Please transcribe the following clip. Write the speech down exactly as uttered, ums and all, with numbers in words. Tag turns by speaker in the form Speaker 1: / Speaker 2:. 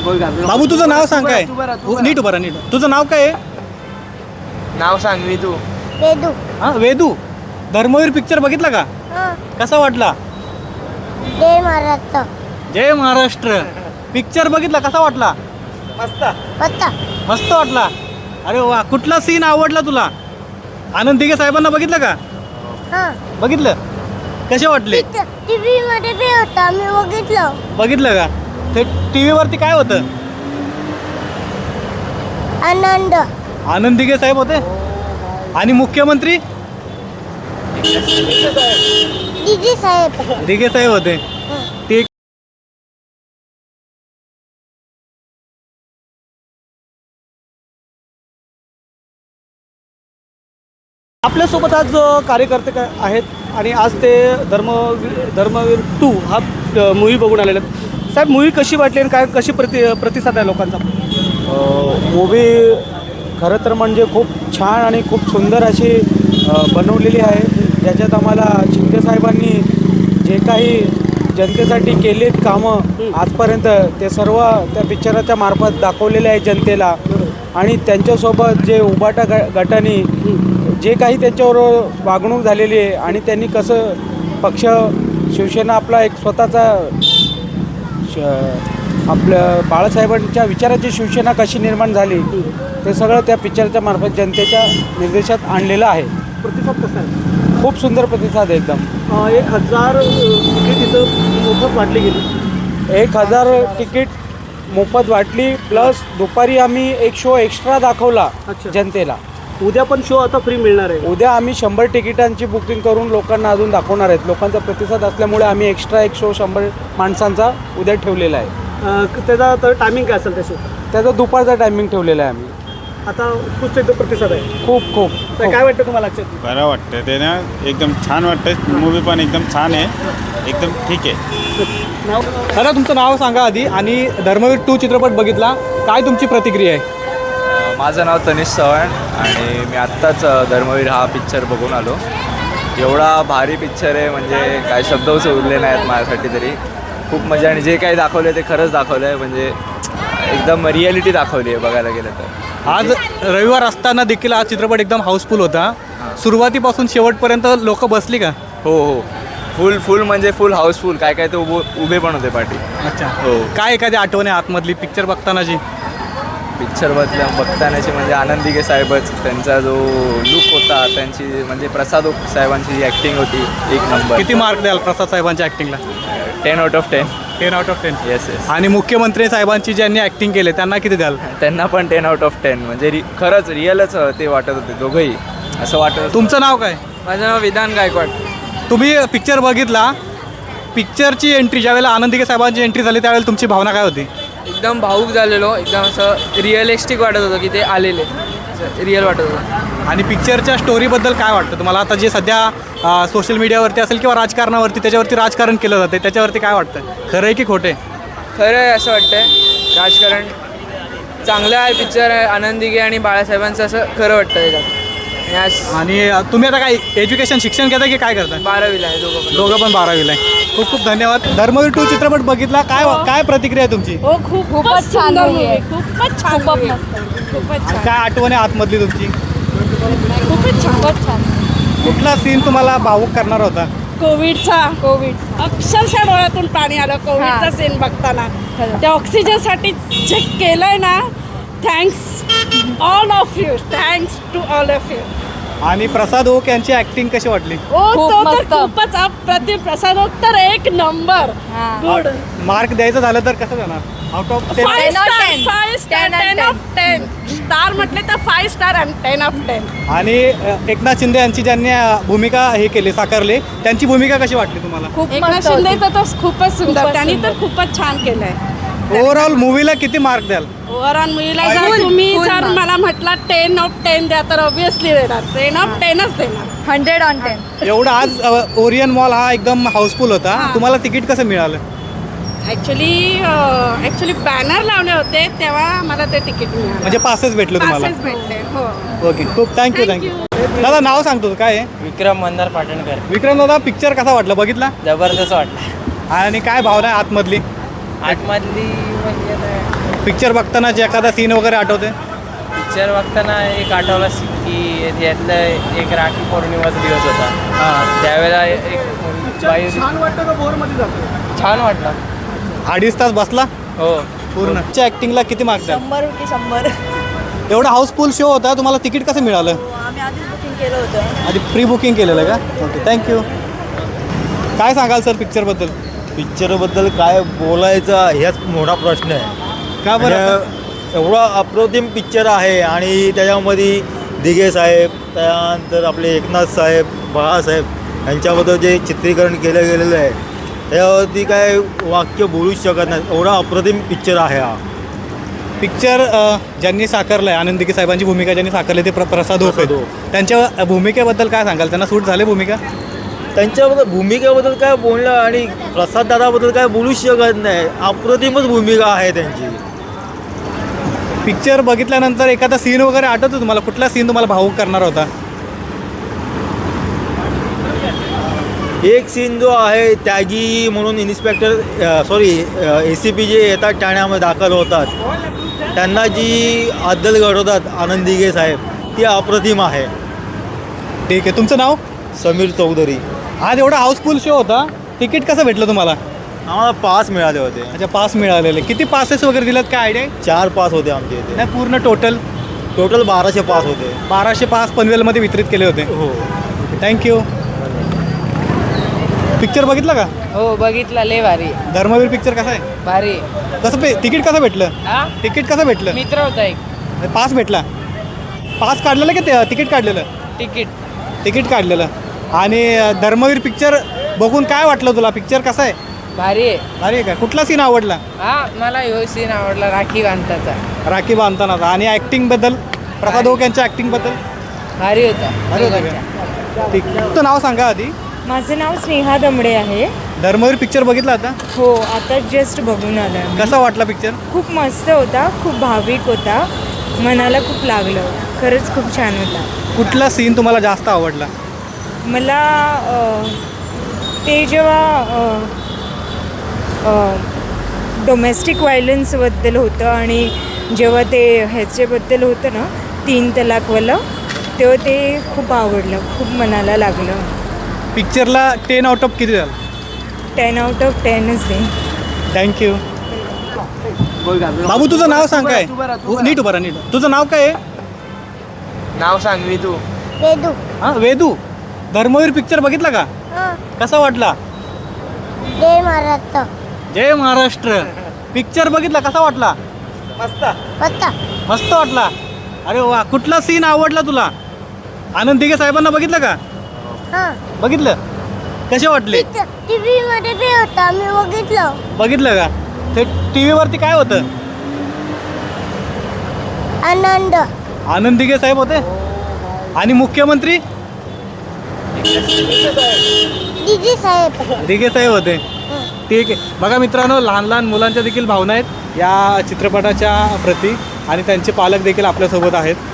Speaker 1: बाबू तुझं नाव सांग काय? नीट उभा राहा, नीट. तुझं नाव काय आहे?
Speaker 2: नाव सांग मी तू.
Speaker 3: वेदू.
Speaker 1: हा वेदू. धर्मवीर पिक्चर बघितला का? कसा वाटला?
Speaker 3: जय महाराष्ट्र.
Speaker 1: जय महाराष्ट्र पिक्चर बघितला, कसा वाटला?
Speaker 2: मस्त.
Speaker 3: मस्त.
Speaker 1: मस्त वाटला. अरे वा, कुठला सीन आवडला तुला? आनंद दिघे साहेबांना बघितलं का?
Speaker 3: हां.
Speaker 1: बघितलं. कसे वाटले?
Speaker 3: टीव्ही मध्ये बी होता, मी बघितलं.
Speaker 1: बघितलं का? ते टीव्ही वरती काय होतं?
Speaker 3: आनंद.
Speaker 1: आनंद दिघे साहेब होते आणि मुख्यमंत्री
Speaker 3: दिदी साहेब.
Speaker 1: दिघे साहेब होते. ते आपल्यासोबत आज कार्यकर्ते काय आहेत आणि आज ते धर्म धर्मवीर टू हा मूवी बघून आलेले आहेत. साहेब, मूवी कशी वाटली आणि काय कशी प्रति प्रतिसाद आहे लोकांचा?
Speaker 4: मूवी खरं तर म्हणजे खूप छान आणि खूप सुंदर अशी बनवलेली आहे. ज्याच्यात आम्हाला शिंदे साहेबांनी जे काही जनतेसाठी केलेत कामं आजपर्यंत ते सर्व त्या पिक्चराच्या मार्फत दाखवलेले आहे जनतेला. आणि त्यांच्यासोबत जे उबाटा ग गटाने जे काही त्यांच्यावर वागणूक झालेली आहे आणि त्यांनी कसं पक्ष शिवसेना आपला एक स्वतःचा श आपल्या बाळासाहेबांच्या विचाराची शिवसेना कशी निर्माण झाली ते सगळं त्या पिक्चरच्या मार्फत जनतेच्या निर्देशात आणलेलं आहे.
Speaker 1: प्रतिसाद कसा आहे?
Speaker 4: खूप सुंदर प्रतिसाद आहे एकदम.
Speaker 1: एक हजार तिकीट इथं मोफत वाटली गेली.
Speaker 4: एक हजार तिकीट मोफत वाटली प्लस दुपारी आम्ही एक शो एक्स्ट्रा दाखवला जनतेला.
Speaker 1: उद्या पण शो आता फ्री मिळणार आहे.
Speaker 4: उद्या आम्ही शंभर तिकिटांची बुकिंग करून लोकांना अजून दाखवणार आहेत. लोकांचा प्रतिसाद असल्यामुळे आम्ही एक्स्ट्रा एक शो शंभर माणसांचा उद्या ठेवलेला आहे.
Speaker 1: त्याचा तर टायमिंग काय असेल त्याचं?
Speaker 4: त्याचा दुपारचा टायमिंग ठेवलेला आहे आम्ही.
Speaker 1: आता खूप एकदम प्रतिसाद आहे.
Speaker 4: खूप खूप
Speaker 1: तर काय वाटतं तुम्हाला?
Speaker 5: बरं वाटतं ते ना, एकदम छान वाटतं. मूवी पण एकदम छान आहे, एकदम ठीक आहे.
Speaker 1: दादा, तुमचं नाव सांगा आधी आणि धर्मवीर टू चित्रपट बघितला, काय तुमची प्रतिक्रिया आहे?
Speaker 2: माझं नाव तनिष चव्हाण आणि मी आत्ताच धर्मवीर हा पिक्चर बघून आलो. एवढा भारी पिक्चर आहे म्हणजे काय शब्दच उरले नाहीत माझ्यासाठी तरी. खूप मजा आणि जे काही दाखवलं आहे ते खरंच दाखवलं आहे. म्हणजे एकदम रिॲलिटी दाखवली आहे बघायला गेलं तर.
Speaker 1: आज रविवार असताना देखील हा चित्रपट एकदम हाऊसफुल होता. सुरुवातीपासून शेवटपर्यंत लोक बसली का?
Speaker 2: हो हो, फुल फुल म्हणजे फुल हाऊसफुल. काय काय ते उभे उभे पण होते पाठी.
Speaker 1: अच्छा.
Speaker 2: हो.
Speaker 1: काय एखादी आठवण आहे आतमधली पिक्चर बघतानाची?
Speaker 2: पिक्चर बदल्या बघतानाची म्हणजे आनंद दिघे साहेबच, त्यांचा जो लुक होता, त्यांची म्हणजे प्रसाद साहेबांची जी ॲक्टिंग होती एक नंबर.
Speaker 1: किती मार्क द्याल प्रसाद साहेबांच्या ॲक्टिंगला?
Speaker 2: Ten out of ten.
Speaker 1: Ten out of ten.
Speaker 2: Yes yes.
Speaker 1: आणि मुख्यमंत्री साहेबांची ज्यांनी ॲक्टिंग केले त्यांना किती द्याल?
Speaker 2: त्यांना पण टेन आउट ऑफ टेन. म्हणजे रि खरंच रिअलच ते वाटत होते दोघंही, असं वाटत.
Speaker 1: तुमचं नाव काय?
Speaker 2: माझं नाव विधान गायकवाड.
Speaker 1: तुम्ही पिक्चर बघितला, पिक्चरची एंट्री ज्यावेळेला आनंद दिघे साहेबांची एंट्री झाली त्यावेळेला तुमची भावना काय होती?
Speaker 6: एकदम भाऊक झालेलो, एकदम असं रिअलिस्टिक वाटत होतं की ते आलेले, रिअल वाटत होतं.
Speaker 1: आणि पिक्चरच्या स्टोरीबद्दल काय वाटतं तुम्हाला? आता जे सध्या सोशल मीडियावरती असेल किंवा राजकारणावरती त्याच्यावरती राजकारण केलं जाते, त्याच्यावरती काय वाटतं? खरं आहे की खोटे?
Speaker 6: खरं आहे असं वाटतंय. राजकारण चांगलं आहे, पिक्चर आहे आनंद दिघे आणि बाळासाहेबांचं, असं खरं वाटतं त्याच्यात.
Speaker 1: आणि तुम्ही आता काय एज्युकेशन शिक्षण घेता की काय करता?
Speaker 6: बारावीला आहे दोघं पण.
Speaker 1: दोघं पण बारावीला आहे. खूप खूप धन्यवाद. धर्मवीर टू चित्रपट बघितला, काय काय प्रतिक्रिया आहे तुमची?
Speaker 7: हो, खूप खूपच छान मूवी आहे. खूपच छान मूवी आहे. खूपच छान.
Speaker 1: काय आठवण आहे आतमधली तुमची?
Speaker 7: खूपच छान. खूपच छान.
Speaker 1: कुठला सीन तुम्हाला भावूक करणार होता?
Speaker 7: कोविडचा. कोविड अक्षरशः डोळ्यातून पाणी आलं कोविडचा सीन बघताना. त्या ऑक्सिजनसाठी जे केलंय ना, thanks all of you. Thanks to all of you.
Speaker 1: आणि प्रसाद ओक यांची ऍक्टिंग कशी वाटली?
Speaker 7: ओ तो तर खूपच अप्रतिम. प्रसाद ओक तर एक नंबर. गुड.
Speaker 1: मार्क द्यायचं झालं तर कसं जाणार? Out of ten?
Speaker 7: Five star. Five star. Ten of ten. Star म्हटले तर फाईव्ह स्टार आणि टेन ऑफ टेन.
Speaker 1: आणि एकनाथ शिंदे यांची ज्यांनी भूमिका हे केली, साकारली, त्यांची भूमिका कशी वाटली तुम्हाला?
Speaker 7: एकनाथ शिंदेचं तर खूपच सुंदर. त्यांनी तर खूपच छान केलंय.
Speaker 1: ओव्हरऑल मूवीला किती मार्क द्याल?
Speaker 7: ओव्हरऑल मूवीला जर तुम्ही जर मला म्हटलं टेन ऑफ टेन द्या तर ऑब्विसली देणार. टेन ऑफ टेनच देणार. Hundred on ten.
Speaker 1: एवढा आज ओरियन मॉल हा एकदम हाऊसफुल होता, तुम्हाला तिकीट कसं मिळालं?
Speaker 7: ॲक्च्युली ॲक्च्युली बॅनर लावले होते तेव्हा मला ते तिकीट मिळालं.
Speaker 1: म्हणजे पासेस भेटले तुम्हाला?
Speaker 7: पासेस भेटले. हो.
Speaker 1: ओके, खूप थँक्यू थँक्यू. दादा नाव सांगतो काय आहे?
Speaker 4: विक्रम मंदार पाटणकर.
Speaker 1: विक्रम दादा, पिक्चर कसा वाटला? बघितला?
Speaker 4: जबरदस्त वाटला.
Speaker 1: आणि काय भावना आहे आतमधली?
Speaker 4: आतमधली म्हणजे
Speaker 1: पिक्चर बघताना जे एखादा सीन वगैरे आठवते?
Speaker 6: पिक्चर बघताना एक आठवला की यातलं एक राखी पौर्णिमाचा दिवस होता.
Speaker 1: हां.
Speaker 6: त्यावेळेला एक बाई
Speaker 1: छान वाटतं का बोरमध्ये जातो?
Speaker 6: छान वाटलं.
Speaker 1: अडीच तास बसला
Speaker 6: हो.
Speaker 1: पूर्ण. ॲक्टिंगला किती मार्क्स द्याल?
Speaker 8: शंभर की शंभर.
Speaker 1: एवढा हाऊसफुल शो होता, तुम्हाला तिकीट कसं मिळालं?
Speaker 8: आम्ही आधीच बुकिंग केलं होतं.
Speaker 1: आधी प्री बुकिंग केलेलं का? Okay, thank you. काय सांगाल सर पिक्चरबद्दल?
Speaker 9: पिक्चरबद्दल काय बोलायचं ह्याच मोठा प्रश्न आहे.
Speaker 1: का बरं?
Speaker 9: म्हणजे एवढा अप्रतिम पिक्चर आहे आणि त्याच्यामध्ये दिघे साहेब, त्यानंतर आपले एकनाथ साहेब, बाळासाहेब यांच्याबद्दल जे चित्रीकरण केलं गेलेलं आहे त्यावरती काय वाक्य बोलूच शकत नाही. एवढा अप्रतिम पिक्चर आहे हा
Speaker 1: पिक्चर अ, ज्यांनी साकारलं आहे, आनंद दिघे साहेबांची भूमिका ज्यांनी साकारली ते प्र प्रसाद होप
Speaker 9: प्रसाद
Speaker 1: आहेत.
Speaker 9: ओक.
Speaker 1: त्यांच्या भूमिकेबद्दल काय सांगाल? त्यांना सूट झाले भूमिका?
Speaker 9: त्यांच्याबद्दल भूमिकेबद्दल काय बोलणं आणि प्रसाद दादाबद्दल काय बोलूच शकत नाही. अप्रतिमच भूमिका आहे त्यांची.
Speaker 1: पिक्चर बघितल्यानंतर एखादा सीन वगैरे आठवतो तुम्हाला? कुठला सीन तुम्हाला भावूक करणार होता?
Speaker 9: एक सीन जो आहे त्यागी म्हणून inspector sorry A C P जे येतात ठाण्यामध्ये दाखल होतात, त्यांना जी अद्दल घडवतात आनंद दिघे साहेब, ती अप्रतिम आहे.
Speaker 1: ठीक आहे. तुमचं नाव?
Speaker 9: समीर चौधरी.
Speaker 1: आज एवढा हाऊसफुल शो होता, तिकीट कसं भेटलं तुम्हाला?
Speaker 9: आम्हाला पास मिळाले होते.
Speaker 1: अच्छा, पास मिळालेले. किती पासेस वगैरे दिलेत, काय आयडिया आहे?
Speaker 9: चार पास होते आमच्या इथे.
Speaker 1: नाही, पूर्ण टोटल
Speaker 9: टोटल बाराशे पास होते.
Speaker 1: बाराशे पास पनवेलमध्ये वितरित केले होते.
Speaker 9: हो.
Speaker 1: थँक्यू. पिक्चर बघितला का?
Speaker 6: हो बघितला. लय भारी.
Speaker 1: धर्मवीर पिक्चर कसा आहे?
Speaker 6: भारी.
Speaker 1: कसं पे तिकीट कसं भेटलं?
Speaker 6: हा
Speaker 1: तिकीट कसं भेटलं?
Speaker 6: मित्र होता एक.
Speaker 1: पास भेटला. पास काढलेलं की ते तिकीट काढलेलं?
Speaker 6: तिकीट.
Speaker 1: तिकीट काढलेलं. आणि अ, धर्मवीर पिक्चर बघून काय वाटलं तुला? पिक्चर कसा आहे?
Speaker 6: भारी आहे.
Speaker 1: भारी आहे का? कुठला सीन आवडला?
Speaker 6: हा मला ह्यो सीन आवडला राखी बांधताचा.
Speaker 1: राखी बांधतानाचा. आणि ॲक्टिंगबद्दल, प्रसाद ओक यांच्या ॲक्टिंगबद्दल?
Speaker 6: भारी होता.
Speaker 1: भारी होतं का? ठीक. तुमचं नाव सांगा आधी.
Speaker 8: माझं नाव स्नेहा दमडे आहे.
Speaker 1: धर्मवीर पिक्चर बघितला आता?
Speaker 8: हो, आता जस्ट बघून आलं.
Speaker 1: कसा वाटला पिक्चर?
Speaker 8: खूप मस्त होता, खूप भाविक होता, मनाला खूप लागलं. खरंच खूप छान होता.
Speaker 1: कुठला सीन तुम्हाला जास्त आवडला?
Speaker 8: मला अ, ते जेव्हा डोमेस्टिक व्हायलन्सबद्दल होतं आणि जेव्हा ते ह्याच्याबद्दल होतं ना, तीन तलाकवालं, तेव्हा ते खूप आवडलं, खूप मनाला लागलं.
Speaker 1: पिक्चरला टेन आउट ऑफ किती झालं?
Speaker 8: टेन आउट ऑफ टेनच दे.
Speaker 1: थँक्यू. बाबू तुझं नाव सांग काय? नीट उभा राहा, नीट. तुझं नाव काय आहे?
Speaker 6: नाव सांगवी तू.
Speaker 3: वेदू.
Speaker 1: हां, वेदू. धर्मवीर पिक्चर बघितला का?
Speaker 3: हां.
Speaker 1: कसा वाटला?
Speaker 3: जय महाराष्ट्र.
Speaker 1: जय महाराष्ट्र. पिक्चर बघितला, कसा वाटला?
Speaker 3: मस्त.
Speaker 1: मस्त वाटला. अरे वा. कुठला सीन आवडला तुला? आनंद दिघे साहेबांना बघितलं का?
Speaker 3: हां.
Speaker 1: बघितलं. कसे वाटले?
Speaker 3: टी व्ही मध्ये बी होतं, आम्ही बघितलं.
Speaker 1: बघितलं का? ते टी व्हीवरती काय होतं?
Speaker 3: आनंद.
Speaker 1: आनंद दिघे साहेब होते. आणि मुख्यमंत्री
Speaker 3: दिदी साहेब.
Speaker 1: दिघे साहेब होते. ठीक आहे. बघा मित्रांनो, लहान लहान मुलांच्या देखील भावना आहेत या चित्रपटाच्या प्रती आणि त्यांचे पालक देखील आपल्यासोबत आहेत.